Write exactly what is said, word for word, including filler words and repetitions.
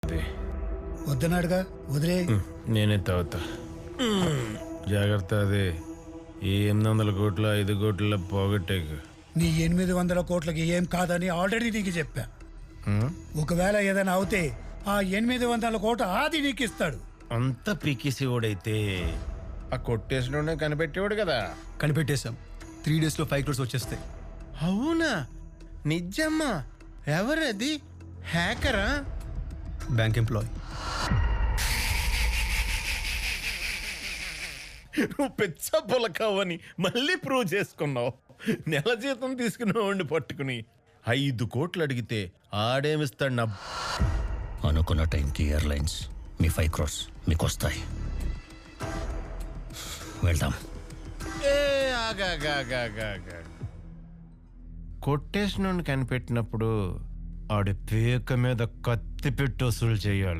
వద్దన్నాడుగా వదిలే. నేనే తాగుతా. జాగ్రత్త. అదే ఈ ఎనిమిది వందల కోట్ల ఐదు కోట్ల పోగొట్టేకు. నీ ఎనిమిది వందల కోట్లకి ఏం కాదని ఆల్రెడీ నీకు చెప్పా. ఒకవేళ ఏదైనా అవుతే ఆ ఎనిమిది వందల కోట్ల ఆది నీకు ఇస్తాడు. అంత పీకేసేవాడైతే ఆ కొట్టేసిన కనిపెట్టేవాడు కదా. కనిపెట్టేశాం. త్రీ డేస్ లో ఫైవ్ క్రోర్స్ వచ్చేస్తాయి. అవునా? నిజమ్మా? ఎవరది? హ్యాకరా? Bank employee. నువ్వు పెచ్చ పొలకావని మళ్ళీ ప్రూవ్ చేసుకున్నావు. నెల జీతం తీసుకునేవాడిని పట్టుకుని ఐదు కోట్లు అడిగితే ఆడేమిస్తాడు నా. అనుకున్న టైంకి ఎయిర్లైన్స్ మీ ఫైవ్ క్రోర్స్ మీకు వస్తాయి. వెళ్దాం. ఏ ఆగాగాగాగాగా. కొట్టేసిన కనిపెట్టినప్పుడు ఆడి పేక మీద కత్తి పెట్టి వసూలు చేయాలి.